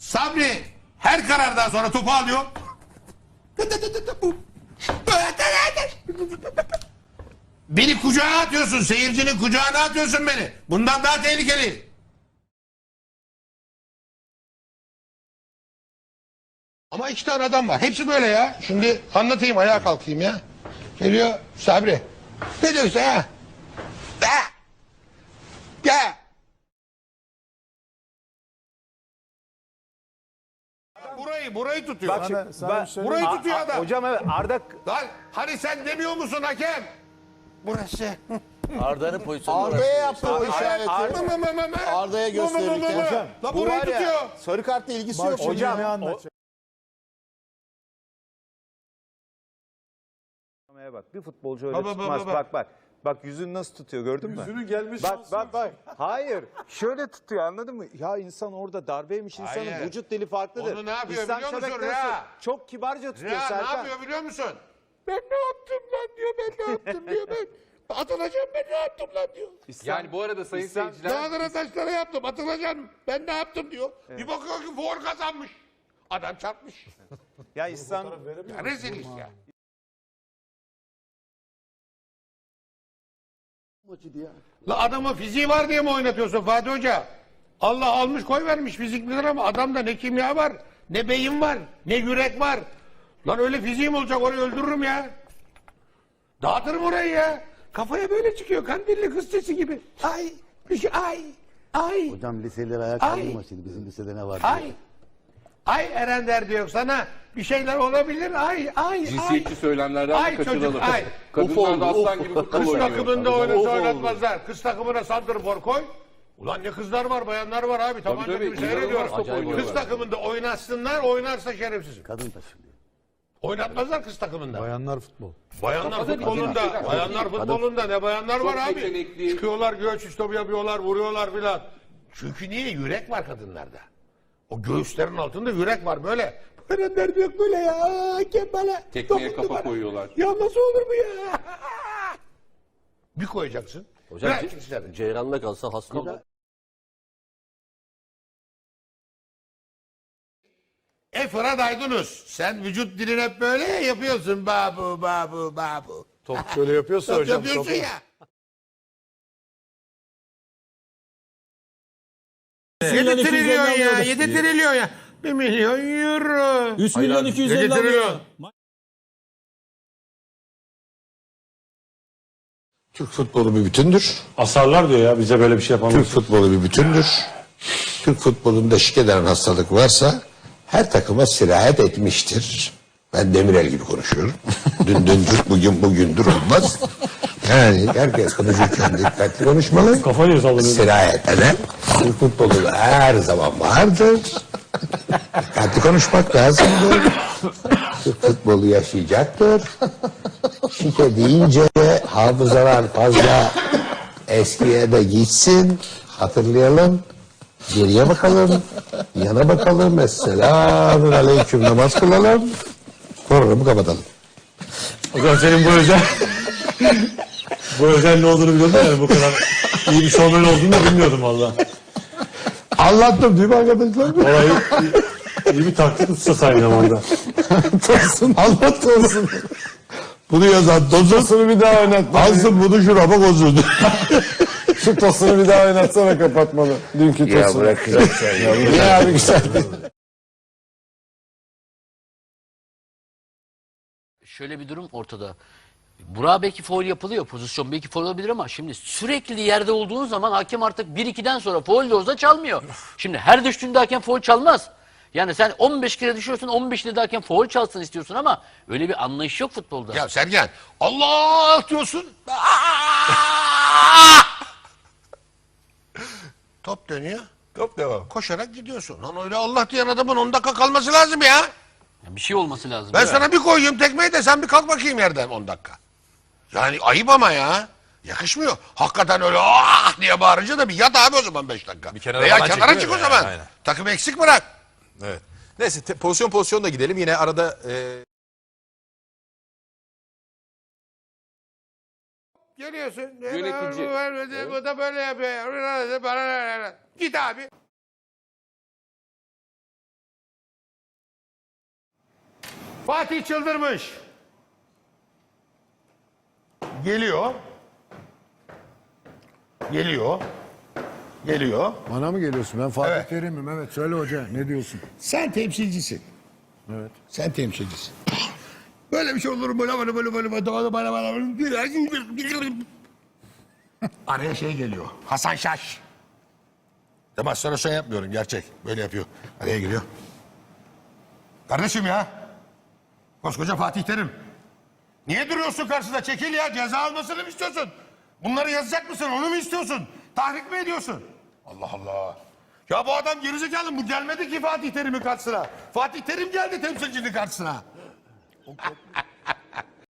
Sabri her karardan sonra topu alıyor. Beni kucağına atıyorsun. Seyircinin kucağına atıyorsun beni. Bundan daha tehlikeli. Ama iki tane adam var. Hepsi böyle ya. Şimdi anlatayım, ayağa kalkayım ya. Geliyor Sabri. Ne diyorsun ha? Gel. Burayı tutuyor. Bak şimdi, Burayı tutuyor adam. Hocam evet Arda Lan hani sen demiyor musun hakem? Burası. Arda'nın pozisyonu Arda'ya yaptı o işareti. Arda'ya gösterirken. hocam, La bu burayı var ya, tutuyor. Sarı kartla ilgisi yok. hocam Ne o, anlatacak? bak bir futbolcu öyle tutmaz. Bak. Bak yüzünü nasıl tutuyor gördün mü? Yüzünün gelmiş Bak. Hayır. Şöyle tutuyor anladın mı? Ya insan orada darbeymiş insanın Hayır. vücut dili farklıdır. Onu ne yapıyor İhsan biliyor musun Şebek Rea? nasıl? Çok kibarca tutuyor Ya ne Serkan. yapıyor biliyor musun? Ben ne yaptım lan diyor. Ben ne yaptım diyor. Ben atılacağım, ben ne yaptım lan diyor. Yani bu arada sayın seyirciler, Dağlara taşlara yaptım, atılacağım. Ben ne yaptım diyor. Bir bakıyor ki for kazanmış. Adam çarpmış. Ya İhsan Ya rezil iş ya. La adamın fiziği var diye mi oynatıyorsun Fatih Hoca? Allah almış koy vermiş fizik bilir ama adamda ne kimya var, ne beyin var, ne yürek var. Lan öyle fiziğim olacak, orayı öldürürüm ya. Dağıtırım orayı ya. Kafaya böyle çıkıyor, kandilli kız sesi gibi. Ay, bir şey, ay. Hocam liseleri ayağa Ay. kaldırma şimdi. Bizim lisede ne var? Ay. Ay Eren der diyor sana bir şeyler olabilir. Ay. cinsiyetçi söylemlerden Ay de kaçınalım. çocuk, ay. Kadınlar da aslan gibi futbol Kız oynuyor. takımında oynatmazlar. Kız takımına santrfor koy. Ulan ne kızlar var, bayanlar var abi. Tabanca tabii, gibi seyrediyor. inanılmaz top oynuyorlar. Kız takımında oynatsınlar, oynarsa şerefsiz. Kadın taşınıyor. Oynatmazlar kız takımında. Bayanlar futbol. Bayanlar Kafada futbolunda, bir bayanlar futbolunda ne bayanlar var abi. yetenekli. Çıkıyorlar, göğüs iştopu yapıyorlar, vuruyorlar filan. Çünkü niye? Yürek var kadınlarda. O göğüslerin altında yürek var böyle. Erenler diyor böyle ya. Kembale. Tekmeye dokundu kafa bana. koyuyorlar. Ya nasıl olur bu ya? Bir koyacaksın. Hocam Bırak ikisini. Ceyran'la kalsa hasta olur. Fırat Aydınus. Sen vücut dilini hep böyle yapıyorsun. Babu. Top şöyle yapıyorsa Top hocam. yapıyorsun ya. 7 trilyon ya. 7 trilyon ya. 1 milyon euro. 3 milyon 250 7 trilyon. alıyor. Türk futbolu bir bütündür. Asarlar diyor ya bize böyle bir şey yapamaz. Türk futbolu bir bütündür. Türk futbolunda eşlik eden hastalık varsa her takıma sirayet etmiştir. Ben Demirel gibi konuşuyorum. Dündür, bugündür olmaz. Yani herkes konuşurken dikkatli konuşmalı. Kafayı sallanıyor. Sirayet eden Türk futbolunda her zaman vardır. Dikkatli konuşmak lazımdır. Türk futbolu yaşayacaktır. Şike deyince hafızalar fazla eskiye de gitsin. Hatırlayalım. Geriye bakalım. Yana bakalım. Esselamun aleyküm namaz kılalım. Programı kapatalım. Hocam senin bu özel bu özel ne olduğunu biliyordum yani bu kadar iyi bir şovmen olduğunu da bilmiyordum valla. Anlattım değil mi arkadaşlar? Olayı iyi bir taktik tutsa aynı zamanda. Tosun. Anlat Tosun. Bunu yazan Tosun. Bir daha oynat. Alsın bunu şurama bozuldu. Şu tosunu bir daha oynatsana kapatmalı. Dünkü tosunu. Ya bırak güzel şey. Ya abi güzel. Şöyle bir durum ortada. Burak'a belki faul yapılıyor. Pozisyon belki faul olabilir ama şimdi sürekli yerde olduğun zaman hakem artık 1-2'den sonra faul de olsa çalmıyor. Şimdi her düştüğünde hakem faul çalmaz. Yani sen 15 kere düşüyorsun 15'te de hakem faul çalsın istiyorsun ama öyle bir anlayış yok futbolda. Ya Sergen Allah diyorsun. Top dönüyor. Top devam. Koşarak gidiyorsun. Lan öyle Allah diyen adamın 10 dakika kalması lazım ya. Yani bir şey olması lazım. Ben sana bir koyayım tekmeyi de sen bir kalk bakayım yerden 10 dakika. Yani ayıp ama ya. Yakışmıyor. Hakikaten öyle diye bağırınca da bir yat abi o zaman 5 dakika. Bir kenara Veya falan kenara çık çekiliyor o ya, zaman. aynen. Takım eksik bırak. Evet. Neyse pozisyon da gidelim. Yine arada Geliyorsun. Yönetici. Bu da böyle yapıyor. Git abi. Fatih çıldırmış. Geliyor. Geliyor. Bana mı geliyorsun? Ben Fatih Evet. Terim'im. Evet söyle hoca ne diyorsun? Sen temsilcisin. Evet. Sen temsilcisin. Böyle bir şey olur mu? Araya şey geliyor. Hasan Şaş. Demonstrasyon yapmıyorum gerçek. Böyle yapıyor. Araya giriyor. Kardeşim ya. Koskoca Fatih Terim. Niye duruyorsun karşısında? Çekil ya. Ceza almasını mı istiyorsun? Bunları yazacak mısın? Onu mu istiyorsun? Tahrik mi ediyorsun? Allah Allah. Ya bu adam gerizekalı mı? Gelmedi ki Fatih Terim'in karşısına. Fatih Terim geldi temsilcinin karşısına.